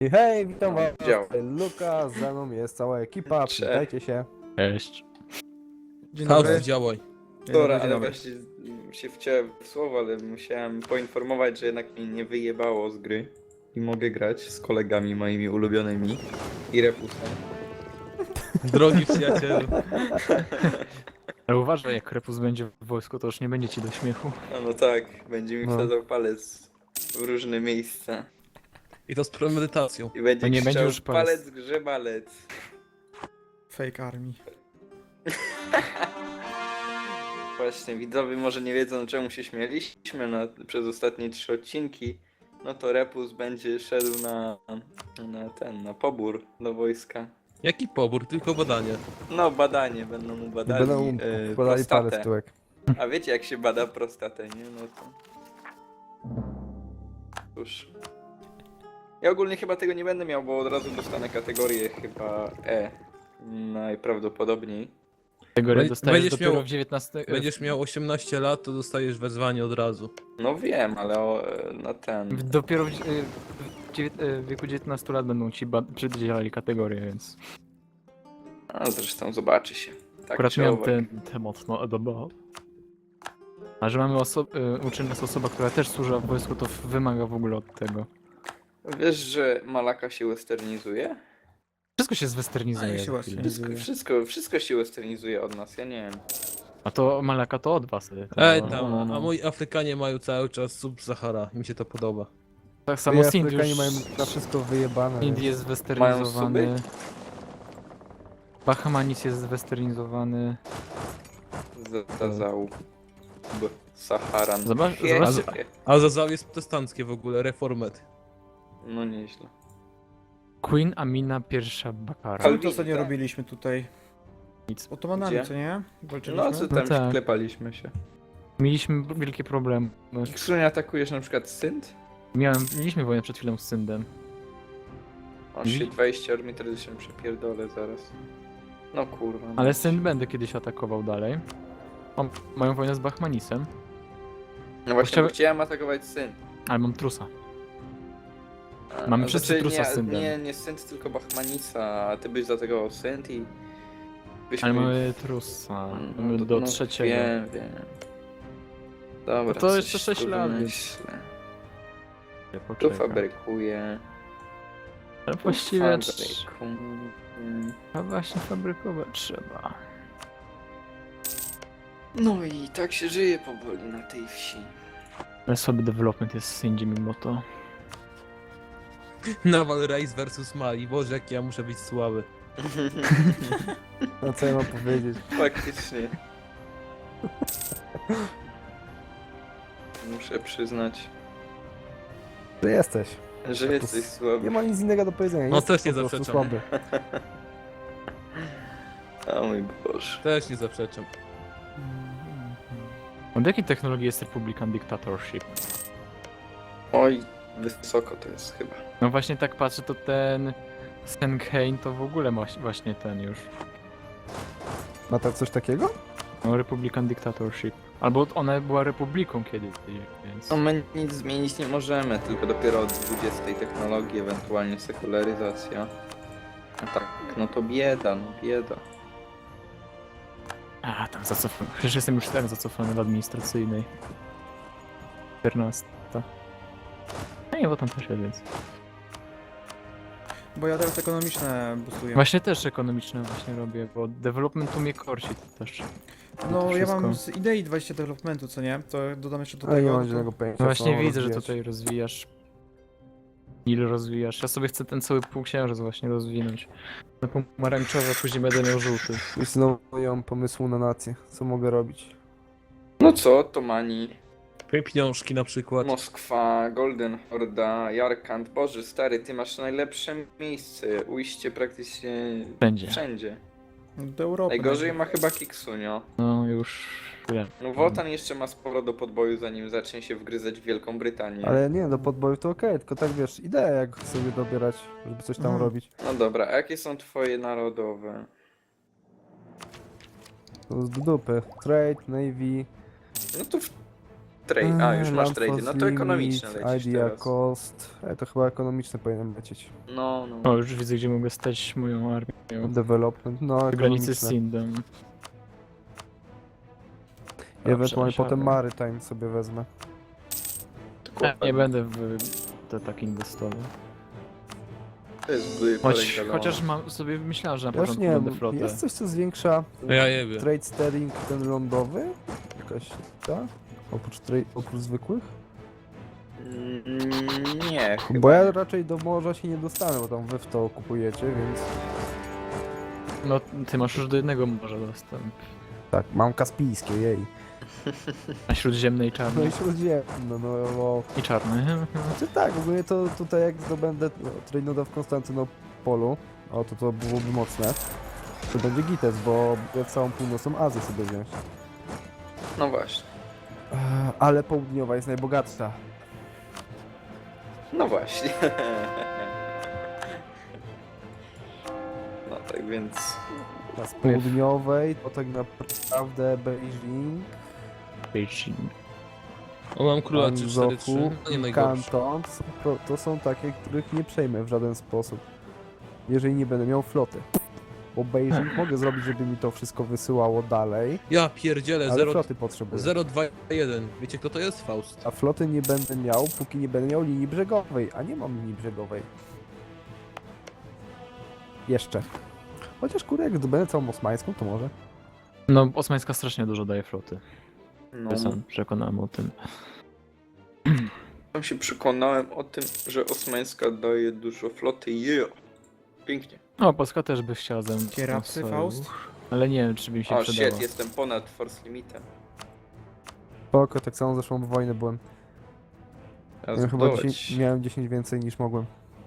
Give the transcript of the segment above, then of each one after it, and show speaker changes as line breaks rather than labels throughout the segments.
I hej, witam was,
Dział.
Luka, ze mną jest cała ekipa,
Cześć.
przywitajcie się.
Cześć.
Dzień
Chaos,
dobry.
działaj.
Dobra,
dzień
ale
dobry.
właśnie się wciąłem w słowo, ale musiałem poinformować, że jednak mnie nie wyjebało z gry i mogę grać z kolegami moimi ulubionymi i Repusem.
Drogi przyjacielu.
Ale uważaj, jak Repus będzie w wojsku, to już nie będzie ci do śmiechu.
No tak, będzie mi
No.
wsadzał palec w różne miejsca
I to z premedytacją.
i będzie
To nie będzie
krzyczał,
już palec.
palec grzebalec.
Fake army.
Właśnie, widzowie może nie wiedzą, czemu się śmieliśmy przez ostatnie 3 odcinki. No to Repus będzie szedł na pobór do wojska.
Jaki pobór, tylko badanie.
No badanie, będą mu
I
badali
będą wkładali palec w
prostatę.
tyłek.
A wiecie jak się bada prostatę, nie? No to... Cóż. Ja ogólnie chyba tego nie będę miał, bo od razu dostanę kategorię chyba E. Najprawdopodobniej.
Tego
Będziesz
dostajesz dopiero
miał-
w 19...
Będziesz miał 18 lat, to dostajesz wezwanie od razu.
No wiem, ale na ten...
Dopiero w wieku 19 lat będą ci przydzielali kategorię, więc...
A zresztą zobaczy się. Tak
Akurat
czy
miałem
owak.
te mocno odobało. A że mamy uczy nas osoba, która też służyła w wojsku, to wymaga w ogóle od tego.
Wiesz, że Malaka się westernizuje?
Wszystko się
A,
zwesternizuje.
jak się
za
właśnie
chwilę.
Wszystko się westernizuje od nas, ja nie wiem.
A to Malaka to od was.
Ej
No,
tam,
no, no.
a moi Afrykanie mają cały czas sub-Sahara. Mi się to podoba.
Tak samo z
Afrykanie
Indii
mają
już...
na wszystko wyjebane.
Indie jest zwesternizowany.
Mają
Bahamanis jest zwesternizowany.
Zazał. Saharan.
Zobaczcie-
A Zazał jest protestanckie w ogóle, reformet.
No nieźle.
Queen Amina I Bakara.
Ale-
Ale to co nie
tak.
robiliśmy tutaj?
Nic.
Otomanami,
Gdzie?
co nie? Walczyliśmy?
No co
No
tam
tak.
klepaliśmy się.
Mieliśmy wielkie problemy.
Ksunie atakujesz na przykład Synt?
Mieliśmy wojnę przed chwilą z Syndem.
On się 20 armii wtedy się przepierdolę zaraz. No kurwa. no.
Ale Synd będę kiedyś atakował dalej. Mają wojnę z Bahmanisem,
No właśnie, bo chciałem atakować Synt.
ale mam trusa. Mamy wszyscy trusa z
nie,
Syndem.
nie Synt, tylko Bahmanisa, a ty byś zaatakował Synt i... byśmy...
Ale mamy trusa. Mamy do trzeciego.
Wiem. Dobra,
No to
coś
jeszcze 6
tu
lat, więc-
wymyślę. Tu
Poczekaj.
fabrykuję.
Ale
tu
właściwie...
fabrykuję.
A właśnie fabrykować trzeba.
No i tak się żyje powoli na tej wsi.
Ale słaby development jest w Syndzie mimo to.
Naval Race versus Mali. Boże, jak ja muszę być słaby.
No co ja mam powiedzieć?
Faktycznie. Muszę przyznać,
Że jesteś.
że jesteś słaby.
Nie ma nic innego do powiedzenia.
No,
Jesteś
też nie
po prostu
zaprzeczam.
słaby.
O mój Boże.
Też nie zaprzeczam.
Od jakiej technologii jest Republican Dictatorship?
Oj, wysoko to jest chyba.
No właśnie tak patrzę, to ten Stenheim to w ogóle ma właśnie ten już.
Ma tak coś takiego?
No Republican Dictatorship. Albo ona była republiką kiedyś, więc...
No my nic zmienić nie możemy, tylko dopiero od 20 technologii, ewentualnie sekularyzacja. A tak, no to bieda, no bieda.
A, tam zacofany. Przecież jestem już tak zacofany w administracyjnej. 14. No nie, bo tam też jest, więc...
Bo ja teraz ekonomiczne bustuję.
Właśnie też ekonomiczne właśnie robię, bo development tu mnie korci to też.
No
to
ja mam
wszystko.
z idei 20 developmentu, co nie? To dodam jeszcze do
Ale nie
tego.
mam
to-
żadnego pojęcia.
No
co
właśnie
mam
widzę, że
rozwijać.
tutaj rozwijasz. Ile rozwijasz? Ja sobie chcę ten cały półksiężyc właśnie rozwinąć. Na pomarańczowy, a później będę miał żółty.
Już znowu nie mam pomysłu na nację. Co mogę robić?
No co, Otomani,
Pieniążki na przykład.
Moskwa, Golden Horda, Jarkand. Boże stary, ty masz najlepsze miejsce, ujście praktycznie
Będzie.
wszędzie.
Do Europy.
Najgorzej ma chyba Kiksunio.
No już wiem.
No Wotan jeszcze ma sporo do podboju, zanim zacznie się wgryzać w Wielką Brytanię.
Ale nie, do podboju to okej, tylko tak wiesz, idea jak sobie dobierać, żeby coś tam
Mhm.
robić.
No dobra, a jakie są twoje narodowe?
To z dupy. Trade, Navy.
No to trade. A, już masz
Land
trade.
Force
No to ekonomiczne
Limit,
lecisz
Idea
teraz.
Cost. To chyba ekonomiczne powinienem lecieć.
No, no.
O, już widzę, gdzie mogę stać moją armią.
Development, no
W granicy z
ekonomiczne.
Sindem.
Ewentualnie
Dobrze,
potem
siadam.
Maritime sobie wezmę.
Nie będę w te tak inwestował.
To jest zły
Chociaż mam sobie myślałem, że na
Ja już
początku
nie
będę
wiem,
flotę.
jest coś co zwiększa
Ja jebie.
trade steering ten lądowy? Jakaś ta? Oprócz zwykłych?
Nie, chyba.
Bo ja raczej do morza się nie dostanę, bo tam wy w to kupujecie, więc...
No, ty masz już do jednego morza dostęp.
Tak, mam kaspijskie, jej.
Na śródziemnej
No
czarnej.
i śródziemne, no...
I czarny.
Znaczy tak, ogólnie to tutaj jak zdobędę Trejnoda w Konstantynopolu, o to byłoby mocne, to będzie gites, bo ja całą północną Azję sobie wziąć.
No właśnie.
Ale południowa jest najbogatsza.
No właśnie. No tak więc...
A z południowej to tak naprawdę Beijing,
Beijing.
O, mam króla 3-4-3.
Anzoku
No nie
i
najgorsze.
Kanton, to są takie, których nie przejmę w żaden sposób, jeżeli nie będę miał floty. Bo Beijing mogę zrobić, żeby mi to wszystko wysyłało dalej,
Ja pierdzielę,
ale floty potrzebuję.
0-2-1. Wiecie kto to jest? Faust.
A floty nie będę miał, póki nie będę miał linii brzegowej, a nie mam linii brzegowej. Jeszcze. Chociaż kurde, jak zdobędę całą osmańską, to może.
No, Osmańska strasznie dużo daje floty.
No,
Ja sam przekonałem o tym.
tam się przekonałem o tym, że Osmańska daje dużo floty. Pięknie.
No, Polska też by chciała ze mną
Kierapcy,
sojusz,
Faust?
Ale nie wiem, czy by mi się
O
przydało.
shit, jestem ponad force limitem.
Spoko, tak samo zeszłą wojnę byłem.
Ja
Ja chyba
zbudować.
10, miałem 10 więcej niż mogłem.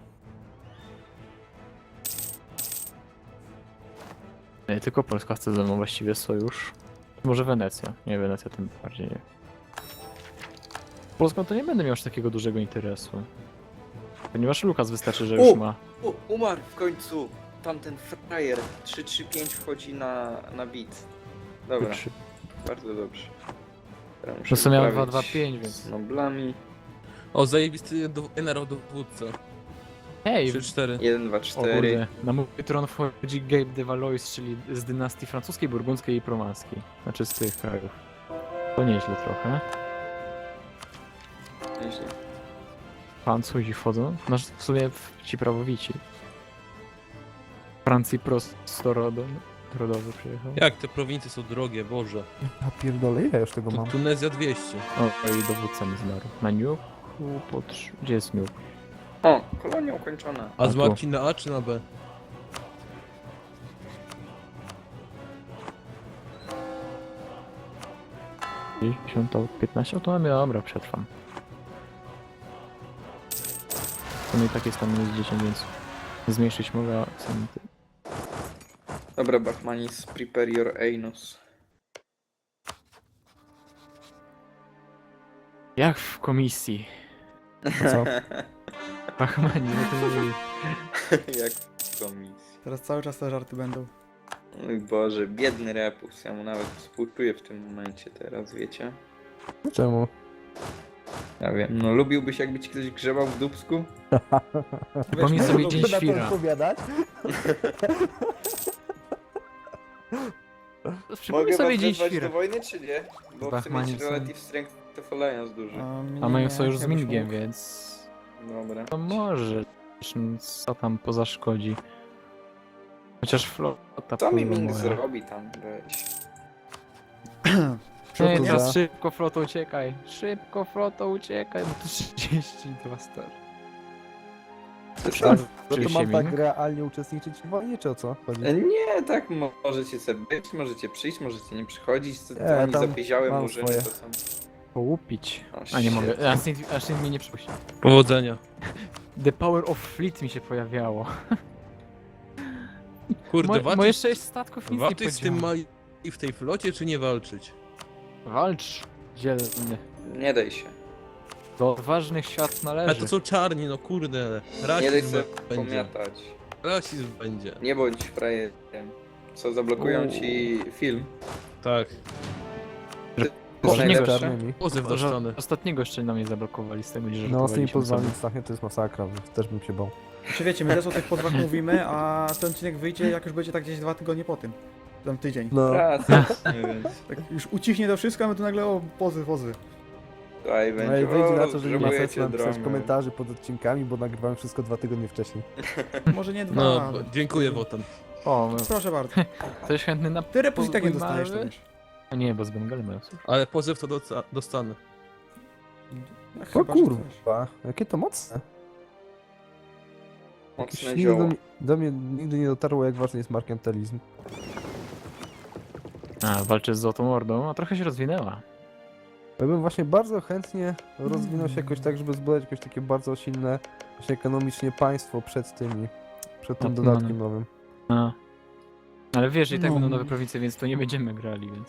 Nie, tylko Polska chce ze mną właściwie sojusz. Może Wenecja. Nie, Wenecja tym bardziej nie. Polską to nie będę miał aż takiego dużego interesu. Ponieważ Lukas wystarczy, że już ma.
Umarł w końcu! Tamten frajer 3-3-5 wchodzi na beat. Dobra,
Trzy.
bardzo dobrze. Teraz muszę
To co miałem
poprawić
2-2-5, więc-
z noblami.
O, zajebisty generał dowódca.
Hej!
3-4.
1, 2,
O
4.
kurde, na mój tron wchodzi Gabe de Valois, czyli z dynastii francuskiej, burgundzkiej i promanskiej. Znaczy z tych krajów. To nieźle trochę.
Nieźle.
Francuzi wchodzą. No w sumie ci prawowici. Francji prosto rodowy przyjechał.
Jak te prowincje są drogie, Boże.
Ja pierdolę, ile ja już tego mam?
Tunezja 200.
O, i dowódca mi zmarł. Na Nuke? Gdzie jest Nuke?
O, kolonia ukończona.
A z
tu.
Marcin na A czy na B?
To 15? O, to mamy, dobra, przetrwam. To no i tak jest tam minus 10, więc zmniejszyć mogę, a sam ty.
Dobra, Bachmanis, prepare your anus.
Jak w komisji.
Co?
Bachmani, no to mówi.
Jak w komisji.
Teraz cały czas te żarty będą.
Mój Boże, biedny Repus. Ja mu nawet współczuję w tym momencie teraz, wiecie?
Czemu?
Ja wiem. No lubiłbyś jakby ci ktoś grzebał w dupsku?
Przypomnij sobie dzień
na to
świra.
odpowiadać?
Przypomnij sobie dzień
wezwać
świra.
do wojny czy nie? Bo chcę
Bachmani
mieć
są-
relative strength of alliance duży.
A mają sojusz z
jakbyś
Mingiem,
mógł.
więc...
Dobra.
To może. Co tam pozaszkodzi. Chociaż flota
Co mi
pływa
Ming
moja.
zrobi tam? Weź.
Co
Ej,
to
teraz
za...
szybko floto uciekaj. Szybko floto uciekaj, bo to 32 star.
No to
Oczywiście
mam tak
Ming.
realnie uczestniczyć w wojnie, czy o co chodzi?
Nie, tak możecie sobie być, możecie przyjść, możecie nie przychodzić. Co
Nie,
oni
tam
zapieziałe
mam
murzyny
swoje.
to są...
Połupić.
O,
A nie
shit.
mogę. A Sint mnie nie przypuści.
Powodzenia.
The Power of Fleet mi się pojawiało.
Kurde,
Moje 6 statków nic nie
warto z tym
podziało.
mali i w tej flocie, czy nie walczyć?
Walcz, dzielny.
Nie daj się.
Do odważnych świat
Ale
należy.
to są czarni, no kurde.
Nie daj
Rasizm
sobie
będzie.
pomiatać.
Rasizm będzie.
Nie bądź frajerem. Co, zablokują
Uuu.
ci film?
Tak.
Poprzedniego
najlepsze.
jeszcze?
czarnymi.
Pozew do
Że
strony.
ostatniego jeszcze na mnie zablokowali z tego, że
No z tymi
żartowaliśmy
pozwami
sobie.
strasznie to jest masakra, też bym się bał.
Znaczy wiecie, my też o tych pozwach mówimy, a ten odcinek wyjdzie jak już będzie tak gdzieś 2 tygodnie po tym. Tam tydzień.
No,
Praca, więc
Tak już ucichnie to wszystko, a my tu nagle o pozy.
tutaj
no
będzie,
i wyjdzie na to, że nie ma sensu
potrzebujecie
napisać
drony.
komentarzy pod odcinkami, bo nagrywałem wszystko 2 tygodnie wcześniej.
Może nie 2,
No,
ale...
dziękuję Wotan.
O,
Proszę bardzo.
ktoś chętny na...
Ty repus i tak nie
podwój
dostajesz, to
mały?
wiesz.
A nie, bo z Bengali mają cóż.
Ale pozew to dostanę.
Ja
O
chyba, że coś.
kurwa, jakie to mocne. Jakieś
Mocne
nigdy
zioło.
do mnie nigdy nie dotarło, jak ważny jest merkantilizm.
A, walczy z Złotą Ordą, a trochę się rozwinęła.
Ja bym właśnie bardzo chętnie rozwinął się jakoś tak, żeby zbudować jakieś takie bardzo silne, właśnie ekonomicznie państwo przed tym dodatkiem nowym.
A. Ale wiesz, i tak
No.
będą nowe prowincje, więc to nie będziemy grali, więc...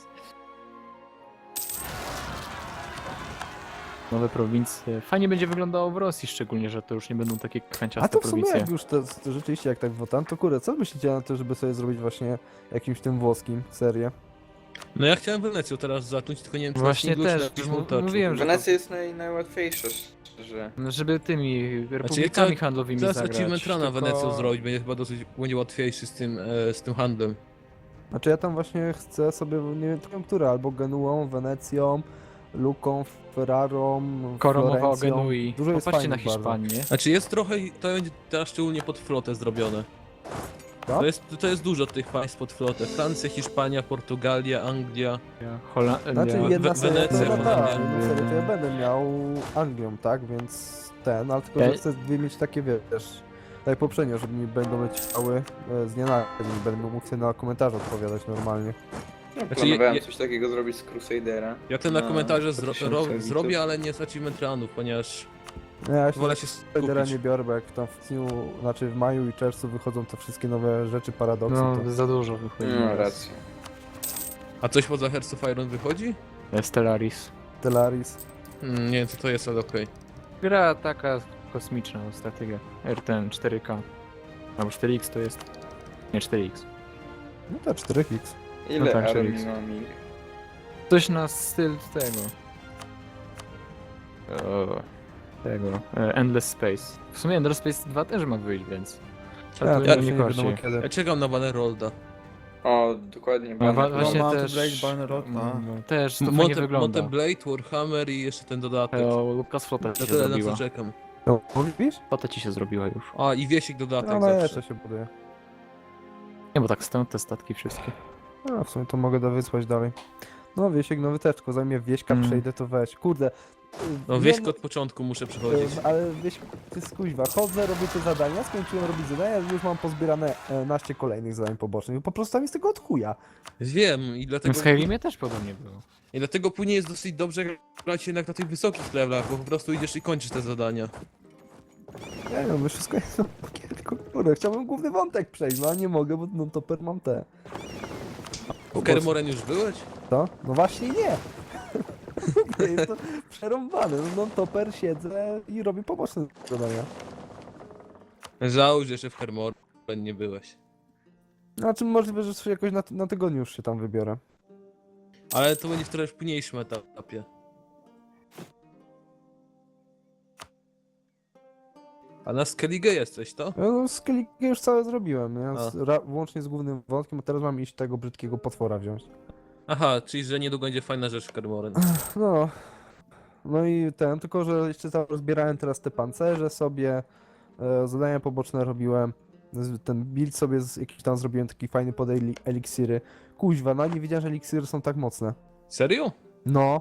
Nowe prowincje. Fajnie będzie wyglądało w Rosji, szczególnie, że to już nie będą takie
A
kwanciaste
to w sumie
prowincje.
jak już to rzeczywiście jak tak wotan, to kurde, co myślicie na to, żeby sobie zrobić właśnie jakimś tym włoskim serię?
No ja chciałem Wenecją teraz zacząć, tylko nie wiem czy
Właśnie
na singlu, czy
też,
na jakimś
mu-
montażu.
mówiłem, że-
Wenecja jest najłatwiejsza, szczerze.
Żeby tymi republikami
chcę-
handlowymi
Teraz
zagrać.
achievement runa
tylko-
Wenecją zrobić, będzie chyba dosyć będzie łatwiejszy z tym handlem.
Znaczy ja tam właśnie chcę sobie, nie wiem tylko które, albo Genuą, Wenecją, Luką, Ferrarą,
Skoro mowa o
Florencją.
Genui,
Dużo jest
popatrzcie na
fajnych bardzo.
Hiszpanię.
Znaczy jest trochę, to będzie teraz szczególnie pod flotę zrobione.
Tak?
To jest dużo tych państw pod flotę. Francja, Hiszpania, Portugalia, Anglia.
Holandia.
Znaczy jedna seria to
Wenecja,
ja
Holandia.
jedną serię to ja będę miał Anglią, tak? Więc ale tylko, że
Ej.
chcę dwie mieć takie, wiesz, tak jak poprzednio, żeby mi będą leciały z dnia na dzień, będę mógł sobie na komentarze odpowiadać normalnie.
No,
Znaczy,
planowałem
je-
coś takiego zrobić z Crusadera.
Ja to na
No,
komentarze
2000 widzów.
zrobię, ale nie z achievement runów, ponieważ
Ja się
wolę się
Spidera
skupić.
nie biorę, bo jak tam w dniu, znaczy w maju i czerwcu wychodzą te wszystkie nowe rzeczy, paradoksy,
No,
to...
za dużo wychodzi.
No, racja.
A coś poza Hearts of Iron wychodzi?
Stellaris.
Stellaris.
Nie wiem co to jest, ale okej.
Gra taka kosmiczna, strategia. RTN 4K. Albo 4X to jest. Nie 4X.
No to 4X.
Ile
No tak,
armii
czyli-
mam ich?
Coś na styl tego. Endless Space. W sumie Endless Space 2 też ma wyjść, więc. Ale
Ja,
to
ja
nie
nie
korci.
wiadomo kiedy.
Ja czekam na Bannerolda.
O, dokładnie.
No,
Banner.
właśnie
Mount
też.
Blade, Bannerlord, a.
No, też to fajnie wygląda.
Mountain Blade, Warhammer i jeszcze ten dodatek.
O, Lucas Flota ci
To
się
tyle na
zrobiła.
co czekam.
No, mówisz?
Flota ci się zrobiła już.
A i wiesik dodatek
No,
zawsze.
jeszcze się buduje.
Nie, bo tak stoją te statki wszystkie.
No, w sumie to mogę wysłać dalej. No, Wiesiek, nowy też, tylko zanim ja Wieśka przejdę, to weź. Kurde.
No wieśko od początku muszę przechodzić.
Ale Wieś, ty skuźwa, chodzę, robię te zadania, skończyłem robić zadania, już mam pozbierane naście kolejnych zadań pobocznych. Po prostu tam jest tego od chuja.
Wiem i
W
dlatego,
Skyrimie też podobnie było.
i dlatego później jest dosyć dobrze grać jednak na tych wysokich levelach, bo po prostu idziesz i kończysz te zadania.
Nie wiem, wszystko jest tylko kurde, chciałbym główny wątek przejść, no a nie mogę, bo no toper mam te.
W Kermoren już byłeś?
Co? No właśnie nie! Jest to przerąbane, no toper siedzę i robię poboczne zadania.
Żałuję, że jeszcze w Kermoren nie byłeś.
Znaczy możliwe, że jakoś na tygodniu już się tam wybiorę.
Ale to będzie w trochę późniejszym etapie. A na Skellige jesteś, to?
No, skilli już całe zrobiłem, ja
A.
łącznie z głównym wątkiem, a teraz mam iść tego brzydkiego potwora wziąć.
Aha, czyli że niedługo będzie fajna rzecz w Kermoren.
No. No i tylko że jeszcze rozbierałem teraz te pancerze sobie, zadania poboczne robiłem, ten build sobie jakiś tam zrobiłem taki fajny pod eliksiry. Kuźwa, no nie wiedziałem, że eliksiry są tak mocne.
Serio?
No.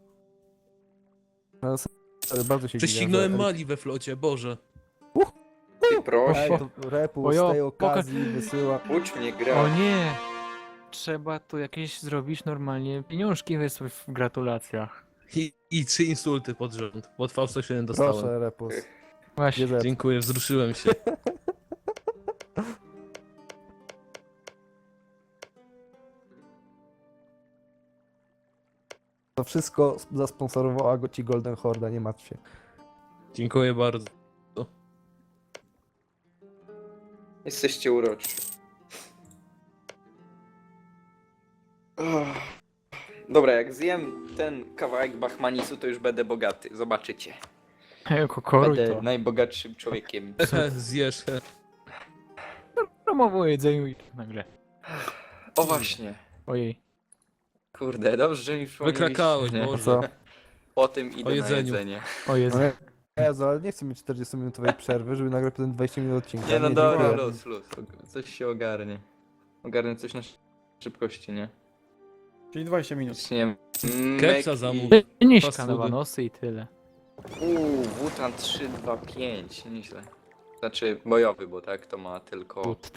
Serio, bardzo się
Prześcignąłem
dziwię, że
Mali we flocie, Boże.
Ty proszę,
Repu
Ojo,
z tej okazji wysyła.
ucz mnie
O
grać.
nie! Trzeba tu jakieś zrobić normalnie pieniążki wysłać w gratulacjach.
I 3 insulty pod rząd. Pod V107 dostałem.
Proszę, Repus.
Właśnie.
Bierze.
Dziękuję, wzruszyłem się.
To wszystko zasponsorowała go ci Golden Horda, nie martw się.
Dziękuję bardzo.
Jesteście uroczy. Dobra, jak zjem ten kawałek Bachmanisu, to już będę bogaty. Zobaczycie.
Koruj
Będę
to.
najbogatszym człowiekiem.
Zjesz.
Promowo o jedzeniu i nagle.
O właśnie.
Ojej.
Kurde, dobrze, że mi przypomnieliście.
Wykrakałeś,
nie?
A
Boże.
co?
Po tym idę
O jedzeniu.
na jedzenie.
O Jezu.
No Jezu, ale nie chcę mieć 40-minutowej przerwy, żeby nagrać potem 20 minut odcinka.
Nie no dobra,
dziękuję.
luz. Coś się ogarnie. Ogarnę coś na szybkości, nie?
Czyli 20 minut.
Zaczniemy.
Kepsa zamów.
Niż
Fast foody.
kanawanosy i tyle.
Wutan 325, nieźle. Znaczy bojowy, bo tak to ma tylko...
But.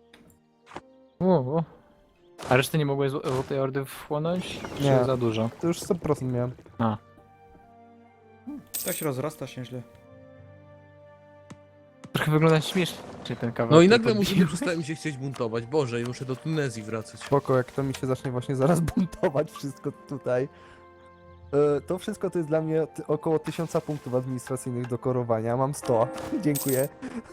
O. A reszty nie mogłeś Złotej Ordy wchłonąć? Czy
Nie.
za dużo?
To już 100% miałem.
Tak się rozrasta się źle.
Trochę wygląda śmiesznie ten kawałek.
No i
który
nagle musimy
podbiłeś.
przestałem się chcieć buntować. Boże, i muszę do Tunezji wracać.
Spoko, jak to mi się zacznie właśnie zaraz buntować wszystko tutaj. To wszystko to jest dla mnie około 1000 punktów administracyjnych do korowania. Mam 100. Dziękuję.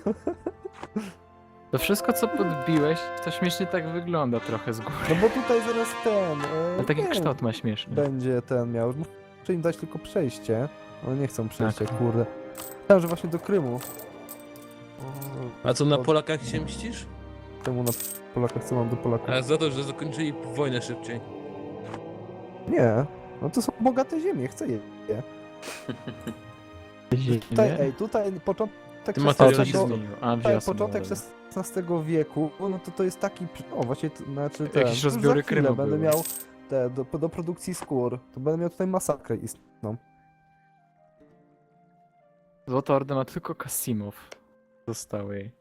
To wszystko co podbiłeś, to śmiesznie tak wygląda trochę z góry.
No bo tutaj zaraz ten...
Ale taki
nie,
kształt ma śmieszny.
będzie ten miał. Muszę im dać tylko przejście. One nie chcą przejścia,
Tak.
kurde. Myślałem, że właśnie do Krymu.
A co, na
O,
Polakach się mścisz?
Czemu na Polakach, co mam do Polaków?
A za to, że zakończyli wojnę szybciej.
Nie. No to są bogate ziemie, chcę je. Tutaj, ej, tutaj początek
Ty
XVI
materialistą.
A,
tutaj
wiosna,
początek
dobra.
XVI wieku, no to jest taki, o właśnie, znaczy ten,
Jakieś
już
rozbiory
za chwilę
Krymu
będę
były.
miał te, do produkcji skór, to będę miał tutaj masakrę istną.
Złota Orda ma tylko Kasimow. Zostały jej.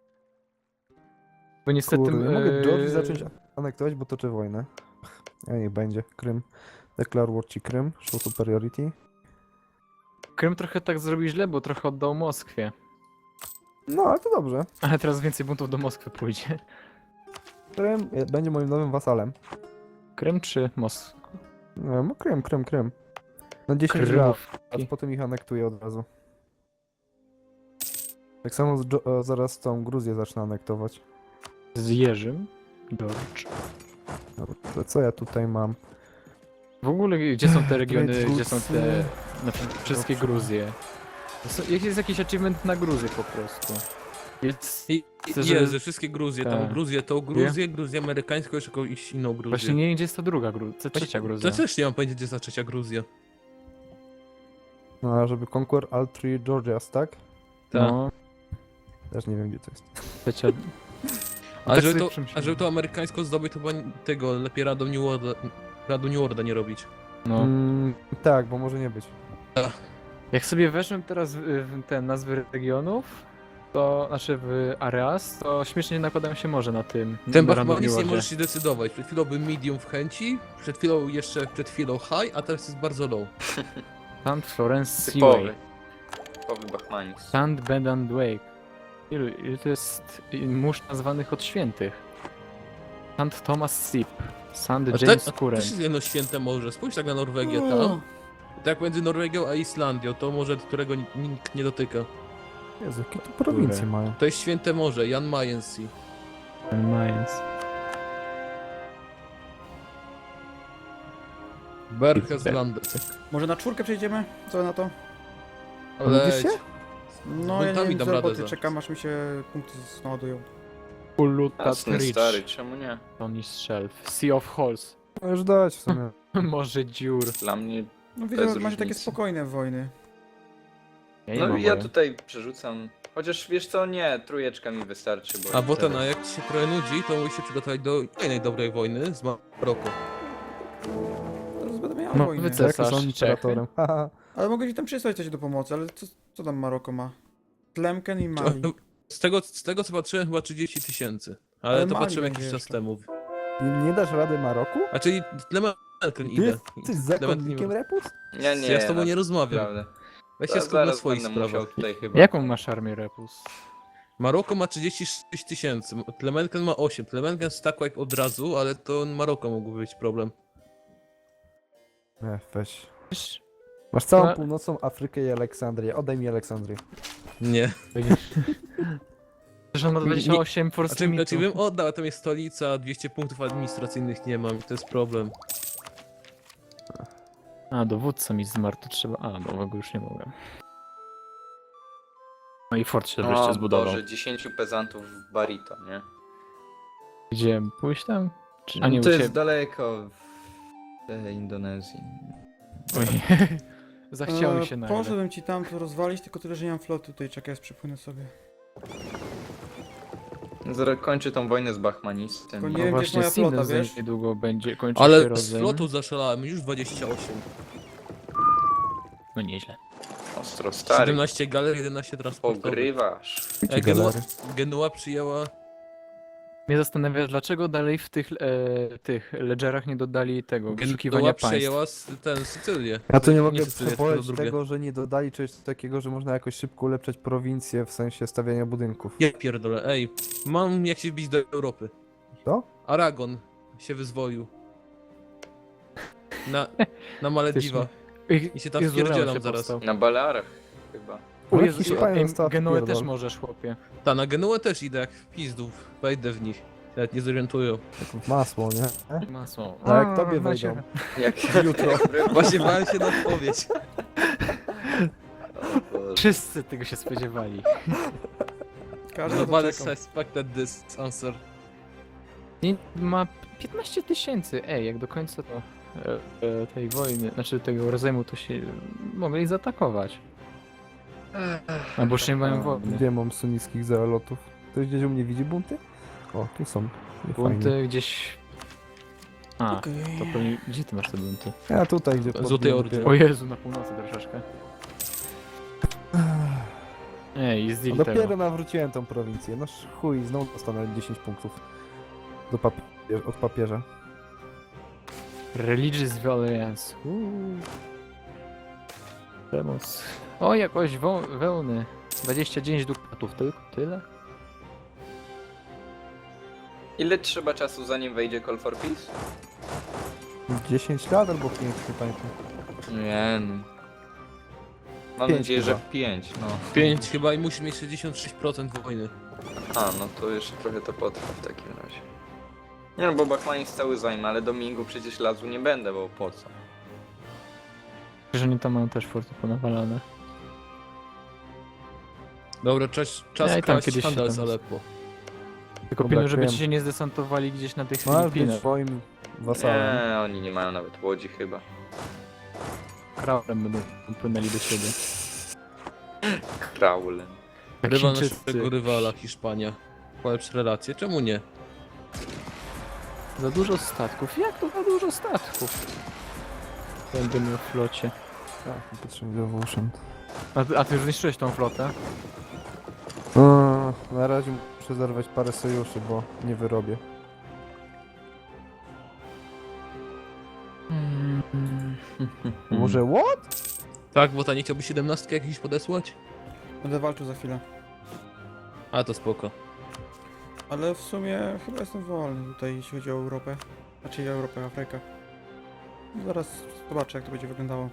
Bo niestety...
Kurde, nie mogę Georgii zacząć anektować, bo toczy wojnę. A niech będzie, Krym. Declare war ci Krym, show superiority.
Krym trochę tak zrobił źle, bo trochę oddał Moskwie.
No, ale to dobrze.
Ale teraz więcej buntów do Moskwy pójdzie.
Krym będzie moim nowym wasalem.
Krym czy Moskwa?
No, Krym. Na 10 lat. A
Krymów.
potem ich anektuję od razu. Tak samo zaraz tą Gruzję zacznę anektować.
Z Jerzym. George.
Dobra, to co ja tutaj mam?
W ogóle gdzie są te regiony,
Great
gdzie są
Roots,
te... Na przykład wszystkie Gruzje. Jest jakiś achievement na Gruzję po prostu. Jest... Chcę, żeby-
Jest, że wszystkie Gruzje, tam
Tak.
Gruzję, tą Gruzję, Gruzję amerykańską, jeszcze jakąś inną Gruzję.
Właśnie nie wiem, gdzie jest ta druga Gruzja, trzecia Gruzja.
To też nie mam pojęcia, gdzie jest ta trzecia Gruzja.
No, a żeby Conquer all three Georgias, tak?
No,
Też nie wiem, gdzie to jest.
trzecia...
A,
tak
żeby
sobie
to,
przemyślałem.
a żeby to amerykańsko zdobyć, to chyba tego lepiej Radu New Orda nie robić.
No.
Tak, bo może nie być.
Jak sobie weszłem teraz w te nazwy regionów, to znaczy w areas, to śmiesznie nakładają się morze na tym.
Ten
na
Bachmanis nie
randomiarze.
możesz się decydować. Przed chwilą był medium w chęci, przed chwilą high, a teraz jest bardzo low.
St. Florence
Typowy.
Seaway,
Typowy Bachmanis.
St. Bendant Wake. Ilu to jest mórz nazwanych od świętych? St. Thomas Sip, St.
A
James
to
Current.
też jest jedno święte morze. Spójrz tak na Norwegię tam. Tak między Norwegią a Islandią, to morze, którego nikt nie dotyka.
Jezu, jakie tu prowincje mają.
To jest święte morze, Jan Mayen Sea.
Mayans.
Berchtesgaden.
Może na czwórkę przejdziemy? Co na to?
Ale
Widzisz się?
No ja nie
Buntami
wiem,
dam
z
radę
roboty
za.
czekam aż mi się punkty naładują.
Ulutat
Jasny
Ridge,
stary, czemu nie?
Tony's Shelf, Sea of Halls,
No już dać w sumie.
Morze Dziur.
Dla mnie...
No
Bez
widzę, że macie takie
różnicy.
spokojne wojny.
Ja nie
No
mam
i ja
wojny.
tutaj przerzucam. Chociaż wiesz co, nie, trójeczka mi wystarczy, bo...
A potem, a jak ci się trochę nudzi, to musisz się przygotować do kolejnej dobrej wojny z Maroko.
Teraz będę miał
No,
wojnę.
wyce-
Jak
Cesarz,
są imperatorem. Haha.
Ale mogę ci tam przysłać coś do pomocy, ale co tam Maroko ma? Tlemken i Mali.
Z tego co patrzyłem, chyba 30 000. Ale
Ale
to
Mali
patrzyłem
będzie
jakiś czas
jeszcze.
temu.
Nie dasz rady Maroku?
A czyli Tlemenken
Ty
idę.
jesteś zakonnikiem Repus?
Nie, nie,
Ja z tobą nie
no,
rozmawiam.
naprawdę.
Weź się skup na
Zaraz
swoich
będę musiał
sprawach.
tutaj chyba...
Jaką masz armię Repus?
Maroko ma 36 000, Tlemenken ma 8. Tlemenken stack wipe od razu, ale to Maroko mógłby być problem.
Nie, weź. Masz całą
No.
północną Afrykę i Aleksandrię. Oddaj mi Aleksandrię.
Nie.
Że on ma 28 force
Znaczy
limitu.
bym oddał, a tam jest stolica, 200 punktów administracyjnych nie mam i to jest problem.
A, dowódca mi zmarł, to trzeba... A, bo go już nie mogłem. No i fort się wreszcie
O
zbudował.
Boże, 10 pezantów w Barito, nie?
Gdzie, pójść tam? Czy... A nie,
to
u
jest
ciebie.
daleko w Indonezji.
Oj. Zachciało mi się nagle.
Poszedłem ci tam to rozwalić, tylko tyle, że nie mam floty tutaj, czekaj, ja przypłynę sobie.
Zaraz kończy tą wojnę z Bachmanistem.
Tylko
No
nie wiem, gdzie jest
właśnie,
moja flota,
Sindel za
wiesz?
niedługo będzie kończyć się
Ale z
rozejm.
flotu zaszalałem, już 28.
No nieźle.
Ostro stary.
17 galer, 11 transportowych.
Pogrywasz.
Genua przyjęła...
Mnie zastanawia, dlaczego dalej w tych ledgerach nie dodali tego wyszukiwania
Genua
państw.
przejęła Sycylię.
Ja tu nie mogę
Sycylię,
przeboleć
tylko drugie.
tego, że nie dodali czegoś takiego, że można jakoś szybko ulepszać prowincję w sensie stawiania budynków.
Ja pierdolę, ej. Mam jak się wbić do Europy.
Co?
Aragon się wyzwolił. Na Malediwa. I się tam
Jezu, Leon
wpierdzielam
się
zaraz.
powstał.
Na Balearach chyba.
O
Ale
Jezu,
Hiszpania została
Genuę
wpierdol.
też możesz, chłopie.
Ta, na Genuę też idę jak w pizdów. Wejdę w nich. Nawet nie zorientują.
Masło, nie?
Masło.
A jak tobie
Macie-
wejdą?
Jak jutro.
Właśnie bałem się na odpowiedź.
Wszyscy tego się spodziewali.
Każdy to
Nobody
czekał.
suspected this answer.
Nie, ma 15 000. Ej, jak do końca to tej wojny, znaczy tego rozejmu, to się mogli zaatakować. Albo już nie mają wojny.
Gdzie mam sunnickich zealotów? Ktoś gdzieś u mnie widzi bunty? O, tu są. Fajnie.
Bunty gdzieś... A,
Okej.
to pewnie... Gdzie ty masz te bunty?
Ja tutaj, gdzie
Złotej
podbiłem.
Ordy.
O Jezu, na północy troszeczkę. Ej, zdjęli
No dopiero
tego.
nawróciłem tą prowincję. No chuj, znowu dostanę 10 punktów od papieża.
Religious Violence. Przemoc. O, jakoś wełny. 29 dukatów, tylko tyle?
Ile trzeba czasu zanim wejdzie Call for Peace?
10 lat albo 5, nie pamiętam.
Nie no. Mam
5
nadzieję,
chyba.
że 5, no.
5 chyba i musi mieć 66% wojny.
A, no to jeszcze trochę to potrwa w takim razie. Nie no, bo Bachmanis cały zajmę, ale Domingu przecież lazu nie będę, bo po co?
Że oni tam mają też forty ponawalane.
Dobra, czas
Ja i tam
kraść
kiedyś się
handel z
tam-
Aleppo.
Tylko
Dobra,
pilnuj, żeby
wiem.
ci się nie zdesantowali gdzieś na tych
Masz być
Filipinach.
swoim wasalem.
Nie, oni nie mają nawet łodzi chyba.
Kraulem będą płynęli do siebie.
Kraul.
Jak
Rywa
Chińczycy.
naszego rywala, Hiszpania. Polepsz relacje, czemu nie?
Za dużo statków. Jak to za dużo statków? Będę miał w flocie.
Tak, nie potrzebuję uszęt.
A ty już zniszczyłeś tą flotę?
Na razie muszę zerwać parę sojuszy, bo nie wyrobię. Może what?
Tak, bo ta nie chciałby 17 jakiś podesłać?
Będę walczył za chwilę.
A to spoko.
Ale w sumie chyba jestem wolny tutaj, jeśli chodzi o Europę. Znaczy Europę, Afrykę. Zaraz zobaczę, jak to będzie wyglądało.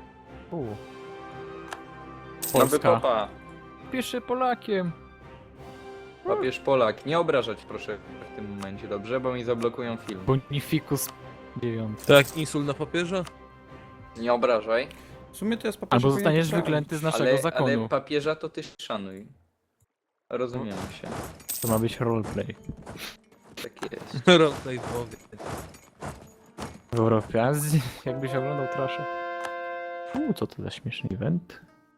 Nowy
Polska.
papa.
Pisze Polakiem.
Papież Polak. Nie obrażać proszę w tym momencie, dobrze? Bo mi zablokują film.
Bonificus 9.
Tak, insul na papieża?
Nie obrażaj.
W sumie to jest papież.
Albo
powinien
zostaniesz
poprawić.
wyklęty z naszego
Ale
zakonu.
papieża to ty szanuj. Rozumiemy się.
To ma być roleplay.
Tak jest.
Roleplay powie.
W Europie Azji, jakbyś oglądał traszę. Co to za śmieszny event?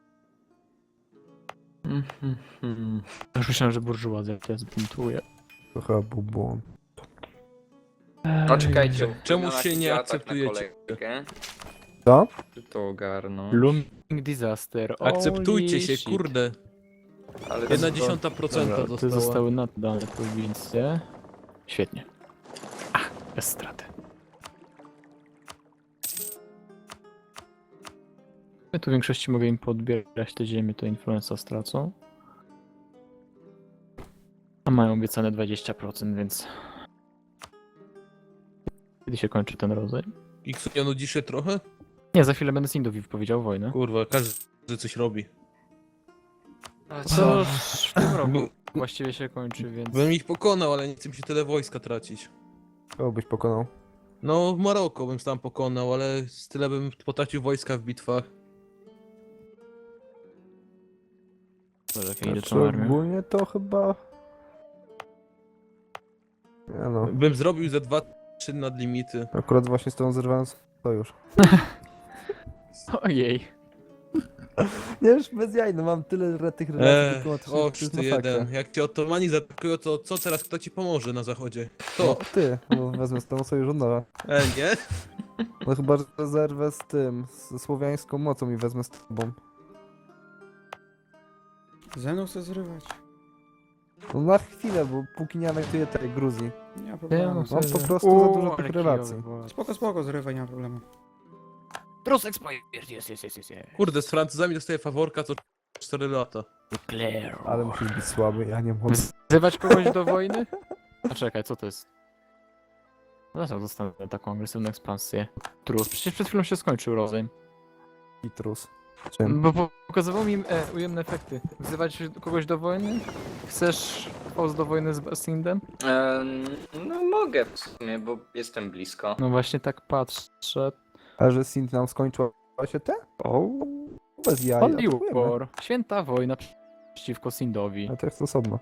Już myślałem, że burżuazja cię zbuntuje.
To chyba był błąd.
No czekajcie.
Czemu
na
się nie
atak na
akceptujecie?
kolejkę.
Co?
Czy to ogarnąć?
Looming disaster.
Akceptujcie
Holy
się,
shit.
kurde.
Ale
1/10%
Dobra, te
została.
zostały nadane prowincje. Świetnie. Bez straty. Ja tu w większości mogę im podbierać te ziemię, to influenza stracą. A mają obiecane 20%, więc... Kiedy się kończy ten rodzaj?
X nie nudzi się trochę?
Nie, za chwilę będę z Indów wypowiedział wojnę.
Kurwa, każdy coś robi.
A
Co w tym roku właściwie się kończy, więc...
Bym ich pokonał, ale nie chcę mi się tyle wojska tracić.
Kogo byś pokonał?
No, w Maroko bym tam pokonał, ale z tyle bym potracił wojska w bitwach.
Boże, jak ja idę
Znaczy,
tą armią.
ogólnie to chyba... Nie no,
Bym zrobił ze 2-3 nadlimity.
akurat właśnie z tą zerwałem sojusz.
Ojej.
Nie, już bez jaj, no mam tyle tych relacji dyplomatycznych, to
Och,
jest
ty
masakra.
jeden. Jak cię Ottomani zaatakują, to co teraz kto ci pomoże na zachodzie?
No
Kto?
ty, no wezmę z tobą sojusz od nowa.
Nie?
No chyba, że zerwę z tym, ze słowiańską mocą i wezmę z tobą.
Ze mną chce zrywać.
No na chwilę, bo póki nie anektuję tej Gruzji.
Nie ma
Ja
problemu.
mam
Mam
sobie-
po prostu za
Uuu,
dużo
ale
tych
kijowy
relacji.
władz.
Spoko, zrywaj, nie ma problemu.
Trus expired, jest.
Kurde, z Francuzami dostaję faworka co 4 lata.
Declare.
Ale musisz być słaby, ja nie mogę.
Wzywać kogoś do wojny? A czekaj, co to jest? Dlaczego dostanę taką agresywną ekspansję? Trus, przecież przed chwilą się skończył rozejm.
I trus. Czym?
Bo pokazywał mi ujemne efekty. Wzywać kogoś do wojny? Chcesz post do wojny z Basindem?
No mogę w sumie, bo jestem blisko.
No właśnie tak patrzę.
A że Sint nam skończyła się te?
O,
Bez jaj,
Holy
atakujemy.
War. Święta wojna przeciwko Sindowi.
A to jest osobno.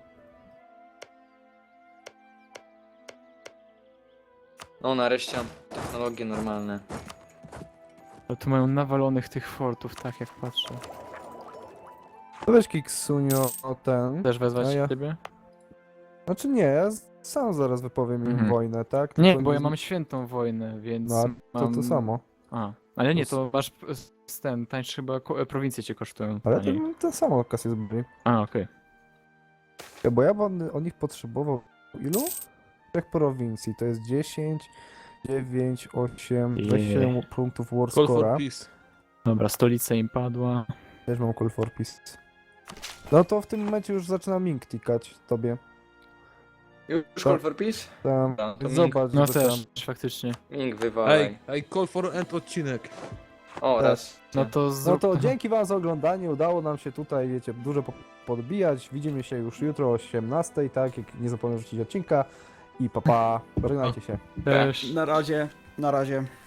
No nareszcie mam technologie normalne.
Ale tu mają nawalonych tych fortów, tak jak patrzę.
To weź Kiksunio ten.
Też wezwać
A ja-
ciebie?
Znaczy nie, ja sam zaraz wypowiem im
Mhm.
wojnę, tak?
Nie,
Tylko
bo ja mam świętą wojnę, więc
No, to
mam...
to samo.
A, ale nie, to masz ten, tańszy chyba prowincje cię kosztują.
Ale
taniej.
to samo kasję zbroi.
A, okej.
Bo ja bym od nich potrzebował ilu? 3 prowincji, to jest 10, 9, 8, 27 punktów War
Call for
Score'a.
peace.
Dobra, stolica im padła.
Też mam Call for Peace. No to w tym momencie już zaczyna Ming tikać tobie.
Już
To-
Call for Peace?
Tam,
No, to
zobacz,
No
żeby
też,
tam...
faktycznie.
Ming wywalaj.
Ej, call for end odcinek.
O,
też.
raz.
No to
No
zrób...
to dzięki wam za oglądanie, udało nam się tutaj, wiecie, dużo podbijać. Widzimy się już jutro o 18, tak? Jak nie zapomnę rzucić odcinka. I papa, żegnajcie się.
Też.
Na razie, na razie.